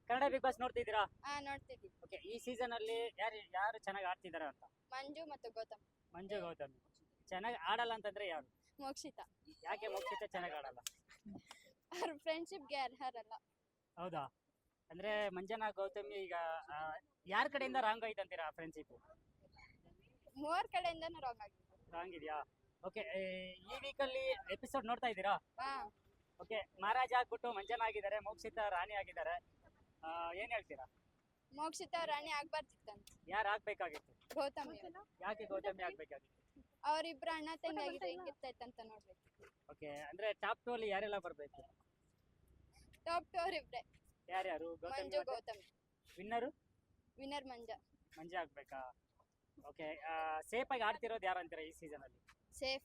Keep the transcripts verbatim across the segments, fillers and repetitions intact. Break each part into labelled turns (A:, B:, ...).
A: Kannada Bigg boss ನೋಡ್ತಿದ್ದೀರಾ?
B: ಹಾ ನೋಡ್ತಿದ್ವಿ.
A: ಓಕೆ, ಈ ಸೀಸನ್ ಅಲ್ಲಿ ಯಾರು ಯಾರು ಚೆನ್ನಾಗಿ ಆಡ್ತಿದ್ದಾರೆ ಅಂತ?
B: ಮಂಜು ಮತ್ತು ಗೌತಮ್.
A: ಮಂಜು ಗೌತಮ್ ಚೆನ್ನಾಗಿ ಆಡಲ್ಲ ಅಂತಂದ್ರೆ ಯಾರು?
B: ಮೋಕ್ಷಿತ.
A: ಯಾಕೆ ಮೋಕ್ಷಿತ ಚೆನ್ನಾಗಿ ಆಡಲ್ಲ?
B: ಅವ್ರ ಫ್ರೆಂಡ್ಶಿಪ್ಗೆ ಅರ್ಹರಲ್ಲ.
A: ಹೌದಾ? ಅಂದ್ರೆ ಮಂಜನಾ ಗೌತಮಿ ಈಗ ಯಾರ ಕಡೆಯಿಂದ ರಾಂಗ್ ಆಯ್ತು ಅಂತೀರಾ ಫ್ರೆಂಡ್ಶಿಪ್?
B: ಮೂವರ್ ಕಡೆಯಿಂದನೂ ರಾಂಗ್ ಆಗಿದೆ.
A: ರಾಂಗ್ ಇದೆಯಾ? ಓಕೆ, ಈ ವೀಕಲ್ಲಿ ಎಪಿಸೋಡ್ ನೋಡ್ತಾ ಇದ್ದೀರಾ?
B: ಹಾ
A: ಓಕೆ, ಮಹಾರಾಜ ಆಗ್ಬಿಟ್ಟು ಮಂಜನಾ ಆಗಿದ್ದಾರೆ, ಮೋಕ್ಷಿತ ರಾಣಿ ಆಗಿದ್ದಾರೆ. ಆ, ಏನ್ ಹೇಳ್ತೀರಾ?
B: ಮೋಕ್ಷಿತ ರಾಣಿ ಆಗ್ಬಾರ್ದಿತ್ತಂತ.
A: ಯಾರು ಆಗ್ಬೇಕಾಗಿತ್ತು?
B: ಗೌತಮ್.
A: ಯಾಕೆ ಗೌತಮಿ ಆಗ್ಬೇಕಾಗಿತ್ತು?
B: ಅವ್ರಿಬ್ರು ಅಣ್ಣ ತಂಗಿ ಆಗಿದೆ, ಹೆಂಗಿರ್ತೈತಂತ ನೋಡ್ಬೇಕು.
A: ಓಕೆ, ಅಂದ್ರೆ ಟಾಪ್ ಟು ಅಲ್ಲಿ ಯಾರೆಲ್ಲ ಬರ್ಬೇಕು?
B: ಟಾಪ್ ಟು ಅವ್ರಿಬ್ರೆ.
A: ಯಾರ್ಯಾರು?
B: ಮಂಜು ಗೌತಮ್.
A: Winner
B: winner Manja.
A: ಮಂಜ ಆಗ್ಬೇಕಾ? ಓಕೆ, ಸೇಫ್ ಆಗಿ ಆಡ್ತಿರೋದು ಯಾರು ಅಂತೀರಾ ಈ ಸೀಸನ್ ಅಲ್ಲಿ?
B: ಸೇಫ್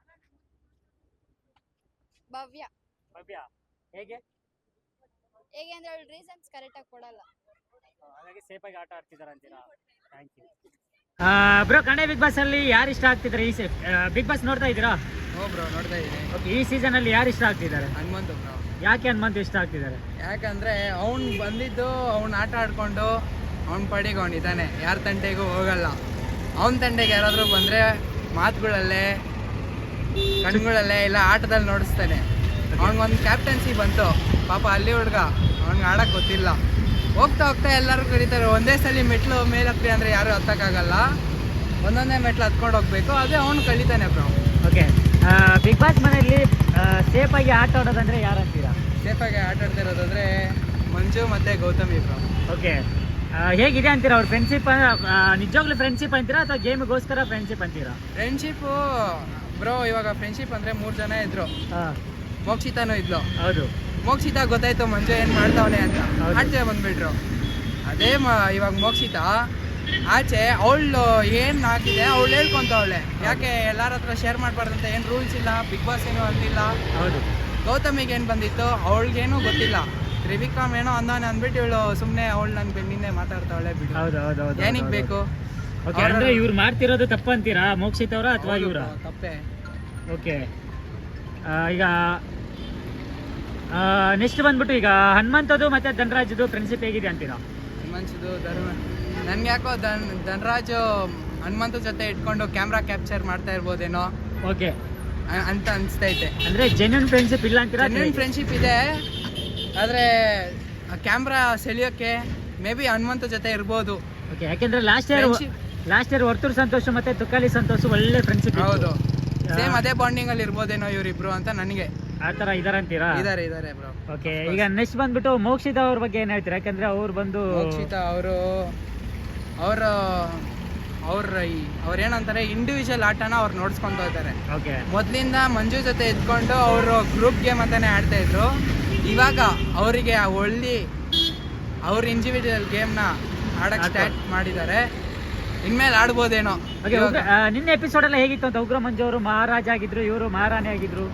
B: ಭವ್ಯ.
A: ಭವ್ಯ ಹೇಗೆ?
B: ಹೇಗೆ ಅಂದ್ರೆ ಅವಳು ರೀಸನ್ಸ್ ಕರೆಕ್ಟ್ ಆಗಿ ಕೊಡಲ್ಲ,
A: ಹಾಗಾಗಿ ಸೇಫ್ ಆಗಿ ಆಟ ಆಡ್ತಿದಾರ ಅಂತೀರಾ? Thank you. Bro, Kannada Bigg Boss ಅಲ್ಲಿ ಯಾರು ಇಷ್ಟ ಆಗ್ತಿದ್ದಾರೆ? ಈ ಬಿಗ್ ಬಾಸ್ ನೋಡ್ತಾ ಇದ್ದೀರಾ?
C: ಹೋ ಬ್ರೋ, ನೋಡ್ತಾ ಇದ್ದೀನಿ.
A: ಓಕೆ, ಈ ಸೀಸನ್ ಅಲ್ಲಿ ಯಾರು ಇಷ್ಟ ಆಗ್ತಿದ್ದಾರೆ?
C: ಹನುಮಂತು ಬ್ರೋ.
A: ಯಾಕೆ ಹನುಮಂತು ಇಷ್ಟ ಆಗ್ತಿದ್ದಾರೆ?
C: ಯಾಕಂದ್ರೆ ಅವ್ನು ಬಂದಿದ್ದು ಅವ್ನು ಆಟ ಆಡ್ಕೊಂಡು ಅವ್ನ ಪಡಿಗೆ ಅವ್ನು ಇದ್ದಾನೆ, ಯಾರ ತಂಟೆಗೂ ಹೋಗಲ್ಲ. ಅವನ ತಂಟೆಗೆ ಯಾರಾದರೂ ಬಂದರೆ ಮಾತುಗಳಲ್ಲೇ ಕಣ್ಗಳಲ್ಲೇ ಇಲ್ಲ ಆಟದಲ್ಲಿ ನೋಡಿಸ್ತಾನೆ. ಅವ್ನಿಗೊಂದು ಕ್ಯಾಪ್ಟನ್ಸಿ ಬಂತು, ಪಾಪ ಅಲ್ಲಿ ಹುಡುಗ ಅವ್ನಿಗೆ ಆಡಕ್ಕೆ ಗೊತ್ತಿಲ್ಲ. ಹೋಗ್ತಾ ಹೋಗ್ತಾ ಎಲ್ಲರೂ ಕರೀತಾರೆ, ಒಂದೇ ಸಲ ಮೆಟ್ಲು ಮೇಲೆ ಹತ್ತಿ ಅಂದರೆ ಯಾರು ಹತ್ತಕ್ಕಾಗಲ್ಲ, ಒಂದೊಂದೇ ಮೆಟ್ಲು ಹತ್ಕೊಂಡು ಹೋಗ್ಬೇಕು. ಅದೇ ಅವ್ನು ಕಲಿತಾನೆ ಬ್ರೋ.
A: ಓಕೆ, ಬಿಗ್ ಬಾಸ್ ಮನೆಯಲ್ಲಿ ಸೇಫ್ ಆಗಿ ಆಟ ಆಡೋದಂದ್ರೆ ಯಾರು ಅಂತೀರಾ?
C: ಸೇಫಾಗಿ ಆಟ ಆಡ್ತಿರೋದಾದ್ರೆ ಮಂಜು ಮತ್ತು ಗೌತಮಿ ಬ್ರೋ.
A: ಓಕೆ, ಹೇಗಿದೆ ಅಂತೀರಾ ಅವ್ರ ಫ್ರೆಂಡ್ಶಿಪ್? ನಿಜವಾಗ್ಲೂ ಫ್ರೆಂಡ್ಶಿಪ್ ಅಂತೀರಾ ಅಥವಾ ಗೇಮ್ಗೋಸ್ಕರ ಫ್ರೆಂಡ್ಶಿಪ್ ಅಂತೀರಾ?
C: ಫ್ರೆಂಡ್ಶಿಪ್ಪು ಬ್ರೋ, ಇವಾಗ ಫ್ರೆಂಡ್ಶಿಪ್ ಅಂದರೆ ಮೂರು ಜನ ಇದ್ರು. ಮೋಕ್ಷಿತಾನೂ ಇದ್ಲು.
A: ಹೌದು.
C: ಮೋಕ್ಷಿತ ಗೊತ್ತಾಯ್ತು ಮಂಜು ಏನು ಮಾಡ್ತಾವನೆ ಅಂತ,
A: ಹೌದು.
C: ಆಚೆ ಬಂದ್ಬಿಟ್ರು. ಅದೇ ಮ ಇವಾಗ ಮೋಕ್ಷಿತ ಆಚೆ ಅವಳು ಏನು ಹಾಕಿದೆ ಅವಳು ಹೇಳ್ಕೊಂತವಳೆ, ಯಾಕೆ ಎಲ್ಲರ ಹತ್ರ ಶೇರ್ ಮಾಡಬಾರ್ದಂತ ಏನು ರೂಲ್ಸ್ ಇಲ್ಲ, ಬಿಗ್ ಬಾಸ್ ಏನೂ ಅಂದಿಲ್ಲ.
A: ಹೌದು.
C: ಗೌತಮಿಗೆ ಏನು ಬಂದಿತ್ತು ಅವಳಿಗೇನು ಗೊತ್ತಿಲ್ಲ, ತ್ರಿವಿಕ್ರಮ್ ಏನೋ ಅಂದವನೆ ಅಂದ್ಬಿಟ್ಟು ಇವಳು ಸುಮ್ಮನೆ ಅವಳು ನನ್ನ ಬೆನ್ನಿಂದೆ ಮಾತಾಡ್ತಾವಳೆ. ಬಿಡು,
A: ಹೌದು ಹೌದು ಹೌದು.
C: ಏನಿಗೆ ಬೇಕು?
A: ಓಕೆ, ಅಂದ್ರೆ ಇವ್ರು ಮಾಡ್ತಿರೋದು ತಪ್ಪಂತೀರಾ ಮೋಕ್ಷಿತ್ ಅವರ ಅಥವಾ ಇವರ?
C: ತಪ್ಪೇ.
A: ಓಕೆ, ಈಗ ನೆಕ್ಸ್ಟ್ ಬಂದ್ಬಿಟ್ಟು ಈಗ ಹನುಮಂತದು ಮತ್ತೆ ಧನರಾಜದು ಫ್ರೆಂಡ್ಶಿಪ್ ಹೇಗಿದೆ ಅಂತೀರಾ?
C: ಹನುಮಂತದು ಧರ್ಮ ನನ್ಗೆ ಯಾಕೋ ಧನ್ ಧನರಾಜು ಹನುಮಂತ ಜೊತೆ ಇಟ್ಕೊಂಡು ಕ್ಯಾಮ್ರಾ ಕ್ಯಾಪ್ಚರ್ ಮಾಡ್ತಾ ಇರ್ಬೋದೇನೋ
A: ಓಕೆ
C: ಅಂತ ಅನಿಸ್ತೈತೆ.
A: ಅಂದ್ರೆ ಜೆನ್ಯೂನ್ ಫ್ರೆಂಡ್ಶಿಪ್ ಇಲ್ಲ ಅಂತೀರಾ?
C: ಜೆನ್ಯೂನ್ ಫ್ರೆಂಡ್ಶಿಪ್ ಇದೆ, ಆದರೆ ಕ್ಯಾಮ್ರಾ ಸೆಳೆಯೋಕ್ಕೆ ಮೇ ಬಿ ಹನುಮಂತ ಜೊತೆ ಇರ್ಬೋದು.
A: ಓಕೆ, ಯಾಕೆಂದ್ರೆ last year last year Varthur Santhosh ಮತ್ತೆ ತುಕಾಲಿ ಸಂತೋಷ್ ಒಳ್ಳೆ ಫ್ರೆಂಡ್ಶಿಪ್.
C: ಹೌದು, ಸೇಮ್ ಅದೇ ಬಾಂಡಿಂಗ್ ಅಲ್ಲಿ ಇರ್ಬೋದೇನೋ ಇವರಿಬ್ರು ಅಂತ ನನಗೆ.
A: ಆ ತರ ಇದಾರಂತೀರಾ?
C: ಇದಾರೆ ಇದಾರೆ ಬ್ರೋ.
A: ಓಕೆ, ಈಗ ನೆಕ್ಸ್ಟ್ ಬಂದ್ಬಿಟ್ಟು ಮೋಕ್ಷಿತ ಅವ್ರ ಬಗ್ಗೆ ಏನ್ ಹೇಳ್ತೀರಾ? ಯಾಕಂದ್ರೆ ಅವ್ರು ಬಂದು
C: ಮೋಕ್ಷಿತ ಅವರು ಅವರು ಅವ್ರ ಅವ್ರು ಏನಂತಾರೆ ಇಂಡಿವಿಜುವಲ್ ಆಟನ ಅವ್ರು ನೋಡ್ಸ್ಕೊಂತ ಇದ್ದಾರೆ.
A: ಓಕೆ,
C: ಮೊದಲಿಂದ ಮಂಜು ಜೊತೆ ಇದ್ಕೊಂಡು ಅವರು ಗ್ರೂಪ್ ಗೇಮ್ ಅಂತಾನೆ ಆಡ್ತಾ ಇದ್ರು. ಇವಾಗ ಅವರಿಗೆ ಒಳ್ಳೆ ಅವ್ರ ಇಂಡಿವಿಜುವಲ್ ಗೇಮ್ನ ಆಡಕ್ಕೆ ಸ್ಟಾರ್ಟ್ ಮಾಡಿದ್ದಾರೆ. ಇನ್ಮೇಲೆ ಆಡ್ಬೋದೇನೋ.
A: ನಿನ್ನೆ ಎಪಿಸೋಡ್ ಎಲ್ಲ ಹೇಗಿತ್ತು ಅಂತ? ಉಗ್ರ ಮಂಜು ಅವರು ಮಹಾರಾಜ ಆಗಿದ್ರು, ಇವರು ಮಹಾರಾಣಿ ಆಗಿದ್ರು.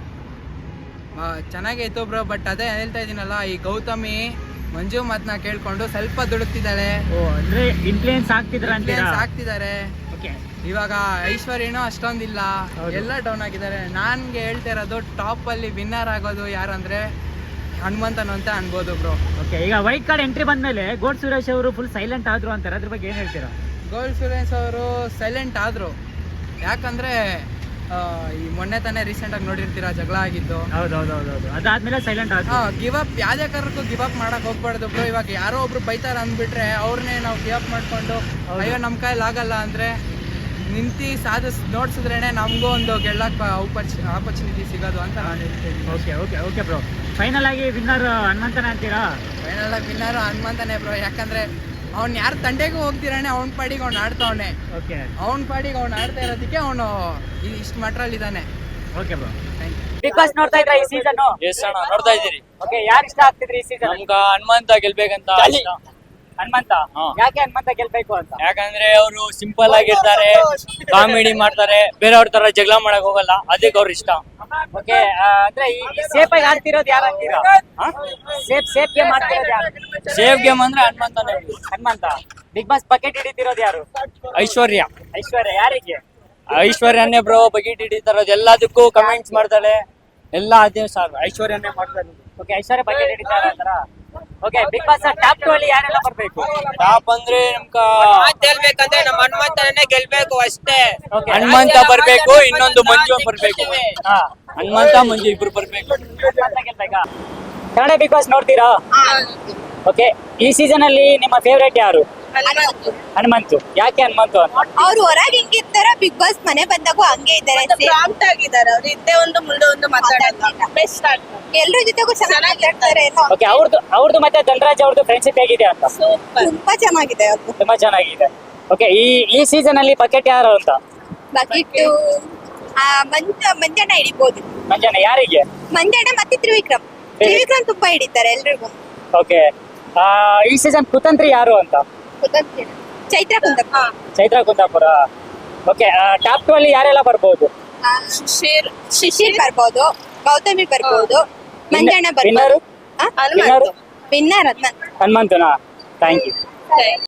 C: ಚೆನ್ನಾಗೇ ಇತ್ತು ಬ್ರೋ, ಬಟ್ ಅದೇ ಹೇಳ್ತಾ ಇದೀನಲ್ಲ, ಈ ಗೌತಮಿ ಮಂಜು ಮಾತನ್ನ ಕೇಳ್ಕೊಂಡು ಸ್ವಲ್ಪ ದುಡುಕ್ತಿದ್ದಾಳೆ.
A: ಓ, ಅಂದ್ರೆ ಇನ್ಫ್ಲೂಯೆನ್ಸ್ ಆಗ್ತಿದ್ರ
C: ಆಗ್ತಿದ್ದಾರೆ.
A: ಓಕೆ,
C: ಇವಾಗ ಐಶ್ವರ್ಯನೂ ಅಷ್ಟೊಂದಿಲ್ಲ, ಎಲ್ಲ ಡೌನ್ ಆಗಿದ್ದಾರೆ. ನನ್ಗೆ ಹೇಳ್ತಾ ಇರೋದು ಟಾಪ್ ಅಲ್ಲಿ ವಿನ್ನರ್ ಆಗೋದು ಯಾರಂದ್ರೆ ಹನುಮಂತನು ಅಂತ ಅನ್ಬೋದು ಬ್ರೋ.
A: ಓಕೆ, ಈಗ ವೈಟ್ ಕಾರ್ಡ್ ಎಂಟ್ರಿ ಬಂದ್ಮೇಲೆ ಗೋಡ್ ಸುರೇಶ್ ಅವರು ಫುಲ್ ಸೈಲೆಂಟ್ ಆದ್ರು ಅಂತಾರೆ, ಅದ್ರ ಬಗ್ಗೆ ಏನ್ ಹೇಳ್ತೀರಾ?
C: ಗೋಲ್ಡ್ ಸುರೇಶ್ ಅವರು ಸೈಲೆಂಟ್ ಆದ್ರು, ಯಾಕಂದ್ರೆ ಈ ಮೊನ್ನೆ ತಾನೇ ರೀಸೆಂಟ್ ಆಗಿ ನೋಡಿರ್ತೀರಾ ಜಗಳ ಆಗಿದ್ದು.
A: ಹೌದೌದೌದು, ಅದಾದ್ಮೇಲೆ ಸೈಲೆಂಟ್ ಆದ್ರು.
C: ಹಾ, ಗಿವ್ ಅಪ್ ಯಾವ್ದೇ ಕಾರಣಕ್ಕೂ ಗಿವ್ ಅಪ್ ಮಾಡಕ್ ಹೋಗ್ಬಾರ್ದು ಬ್ರೋ. ಇವಾಗ ಯಾರೋ ಒಬ್ರು ಬೈತಾರ ಅಂದ್ಬಿಟ್ರೆ ಅವ್ರನ್ನೇ ನಾವು ಗಿವ್ ಅಪ್ ಮಾಡ್ಕೊಂಡು ಅಯ್ಯೋ ನಮ್ ಕೈಲಿ ಆಗಲ್ಲ ಅಂದ್ರೆ ನಿಂತಿ ಸಾಧಿಸ್ ನೋಡ್ಸಿದ್ರೇನೆ ನಮಗೂ ಒಂದು ಗೆಲ್ಲಕ್ ಆಪರ್ಚುನಿಟಿ ಸಿಗೋದು ಅಂತ ನಾನು ಹೇಳ್ತೀನಿ.
A: Okay okay okay bro, final ಆಗಿ ವಿನ್ನರ್ ಹನುಮಂತನ ಅಂತೀರಾ?
C: ಫೈನಲ್ ಆಗಿ ವಿನ್ನರ್ ಹನುಮಂತನೇ ಬ್ರೋ, ಯಾಕಂದ್ರೆ ಅವ್ನು ಯಾರ ತಂಡೆಗೂ ಹೋಗ್ತಿರಾನೆ, ಅವ್ನ ಪಾಡಿಗೆ ಅವ್ನು ಆಡ್ತಾವನೆ.
A: ಓಕೆ,
C: ಅವ್ನ ಪಾಡಿಗೆ ಅವ್ನು ಆಡ್ತಾ ಇರೋದಕ್ಕೆ ಅವನು ಇಷ್ಟು ಮಟ್ರಲ್ಲಿ ಇದ್ದಾನೆ.
A: ಓಕೆ ಬ್ರೋ, ಬಿಗ್ ಬಾಸ್ ನೋಡ್ತಾ ಇದ್ರ ಈ ಸೀಸನ್?
D: ಎಸ್ ಅಣ್ಣ, ನೋಡ್ತಾ ಇದ್ದೀರಿ.
A: ಓಕೆ, ಯಾರು ಇಷ್ಟ ಆಗ್ತಿದ್ರಿ ಈ ಸೀಸನ್?
D: ನಮ್ಗ ಹನುಮಂತ ಗೆಲ್ಬೇಕಂತ.
A: ಹನುಮಂತ? ಯಾಕೆ ಹನುಮಂತ ಗೆಲ್ಬೇಕು ಅಂತ?
D: ಯಾಕಂದ್ರೆ ಅವರು ಸಿಂಪಲ್ ಆಗಿರ್ತಾರೆ, ಕಾಮಿಡಿ ಮಾಡ್ತಾರೆ, ಬೇರೆಯವ್ರ ತರ ಜಗಳ ಮಾಡಕ್ ಹೋಗಲ್ಲ, ಅದಕ್ಕೆ ಅವ್ರ ಇಷ್ಟ.
A: ಓಕೆ, ಅಂದ್ರೆ ಈ ಸೇಫ್ ಆಗಿ ಆಡ್ತಿರೋದು ಯಾರು ಅಂತೀರಾ? ಸೇಫ್ ಸೇಫ್ ಗೇಮ್ ಆಡ್ತಿರೋದು ಯಾರು?
D: ಸೇಫ್ ಗೇಮ್ ಅಂದ್ರೆ ಹನುಮಂತನೇ.
A: ಹನುಮಂತ. ಬಿಗ್ ಬಾಸ್ ಬಕೆಟ್ ಹಿಡಿತಿರೋದು ಯಾರು?
D: ಐಶ್ವರ್ಯ.
A: ಐಶ್ವರ್ಯ ಯಾರಿಗೆ?
D: ಐಶ್ವರ್ಯನೇ ಬ್ರೋ ಬಕೆಟ್ ಹಿಡಿತಾರೋದು, ಎಲ್ಲದಕ್ಕೂ ಕಮೆಂಟ್ಸ್ ಮಾಡ್ತಾಳೆ, ಎಲ್ಲ ಅದೇ ಸರ್ ಐಶ್ವರ್ಯನೇ ಮಾಡ್ತಾರೆ.
A: ಓಕೆ, ಐಶ್ವರ್ಯ ಬಕೆಟ್ ಹಿಡಿತಾರ ಅಂತಾರ? Okay Bigg Boss top two ಅಲ್ಲಿ ಯಾರೆಲ್ಲ ಬರ್ಬೇಕು?
D: ಟಾಪ್ ಅಂದ್ರೆ ನಮ್ಕ
E: ಗೆಲ್ಬೇಕಂದ್ರೆ ನಮ್ಮ ಹನುಮಂತನೇ ಗೆಲ್ಬೇಕು ಅಷ್ಟೇ.
A: Okay.
D: ಹನುಮಂತ ಬರ್ಬೇಕು, ಇನ್ನೊಂದು ಮಂಜು ಬರ್ಬೇಕು.
A: ಹಾ
D: ಹನುಮಂತ ಮಂಜು ಇಬ್ರು ಬರ್ಬೇಕು.
A: ಹನುಮಂತ ಗೆಲ್ಬೇಕಾ? ಕನ್ನಡ ಬಿಗ್ ಬಾಸ್ ನೋಡ್ತೀರಾ? ಓಕೆ ಈ ಸೀಸನ್ ಅಲ್ಲಿ ನಿಮ್ಮ ಫೇವರೇಟ್ ಯಾರು? ಹನುಮಂತು. ಯಾಕೆ ಹನುಮಂತು ಅಂತ?
B: ಅವ್ರು ಹೊರಗೆ ಹೆಂಗಿರ್ತಾರ ಬಿಗ್ ಬಾಸ್ ಮನೆ ಬಂದಾಗೂ ಹಂಗೆ ಇದ್ದಾರೆ.
E: ಪ್ರಾಂಪ್ಟ್ ಆಗಿದ್ದಾರೆ ಅವ್ರು, ಹಿಂದೆ ಒಂದು ಮುಂದೆ ಒಂದು ಮಾತಾಡಲ್ಲ. ಬೆಸ್ಟ್
B: ಎಲ್ರ ಜೊತೆಗೂ ಚೆನ್ನಾಗಿ ಮಾತಾಡ್ತಾರೆ.
A: ಓಕೆ ಅವ್ರದ್ದು ಅವ್ರದ್ದು ಮತ್ತೆ ಧನರಾಜ್ ಅವ್ರದ್ದು ಫ್ರೆಂಡ್ಶಿಪ್ ಹೇಗಿದೆ ಅಂತ?
E: ಸೂಪರ್.
B: ತುಂಬಾ ಚೆನ್ನಾಗಿದೆ ಅವ್ರದ್ದು.
A: ತುಂಬಾ ಚೆನ್ನಾಗಿದೆ. ಓಕೆ ಈ ಈ ಸೀಸನ್ ಅಲ್ಲಿ ಬಕೆಟ್ ಯಾರು ಅಂತ?
B: ಬಕೆಟ್ ಮಂಜ ಮಂಜಣ್ಣ ಹಿಡಿಬಹುದು.
A: ಮಂಜಾನ ಯಾರಿಗೆ?
B: ಮಂಜಣ್ಣ ಮತ್ತೆ ತ್ರಿವಿಕ್ರಮ್. ತ್ರಿವಿಕ್ರಮ್ ತುಂಬಾ ಹಿಡಿತಾರೆ ಎಲ್ರಿಗೂ.
A: ಓಕೆ ಈ ಸೀಸನ್ ಕುತಂತ್ರಿ ಯಾರು ಅಂತ?
B: ಗೊತ್ತಾಗ್ತಿಲ್ಲ. Chaitra Kundappa.
A: Chaitra Kundapura. Okay top two ಅಲ್ಲಿ ಯಾರೆಲ್ಲ ಬರ್ಬೋದು?
B: ಶಿಶಿರ್ ಶಿಶಿರ್ ಬರ್ಬೋದು, ಗೌತಮಿ ಬರ್ಬೋದು, ಮಂಜಣ್ಣ
A: ವಿನ್ನರು?
B: ಬರ್ಬೋದು.
A: Winner
B: winner Hanumanth.
A: ಹನುಮಂತನಾ? Thank you.